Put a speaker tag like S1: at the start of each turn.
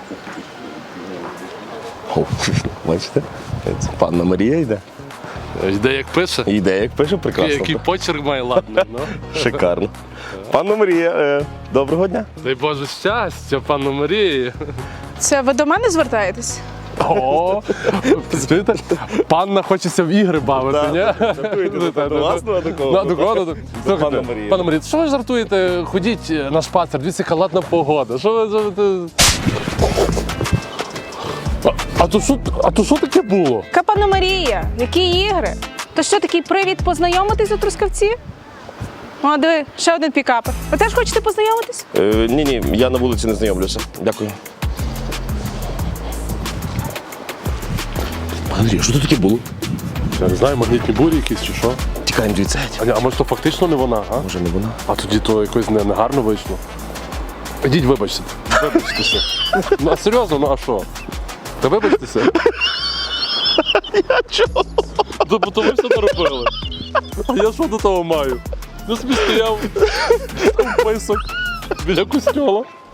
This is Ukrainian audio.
S1: О, бачите? Це панна Марія йде.
S2: Йде як пише.
S1: Йде, як пише, прекрасно.
S2: Який почерк має ладний. Ну.
S1: Шикарно. Панна Марія, доброго дня.
S2: Дай Боже щастя, пану Марії.
S3: Це ви до мене звертаєтесь?
S2: О, чуєте? Панна хочеться в ігри бавити, ні?
S1: Жартуєте до вас, а до кого?
S2: Ну, до кого?
S1: Пана
S2: Слухайте,
S1: Марії.
S2: пане Марія, що ви жартуєте? Ходіть на шпацер, дивіться, яка ладна погода. Що ви... А то що таке було?
S3: Пане Марія, які ігри? То що, такий привід познайомитись у Трускавці? О, диви, ще один пікапер. Ви теж хочете познайомитись?
S1: Ні, я на вулиці не знайомлюся. Дякую. Пане Андрій, що тут таке було?
S2: Я не знаю, магнітні бурі якісь чи що?
S1: Тікаємо звідси.
S2: А може то фактично не вона, а?
S1: Може не вона?
S2: А тоді то якось негарно вийшло. Ідіть, вибачте. Вибачтеся. Ну, а серйозно, ну а що? Та вибачтеся.
S1: Я чого?
S2: Бо то ви все наробили. А я що до того маю? Я собі стояв, там писок біля костьола.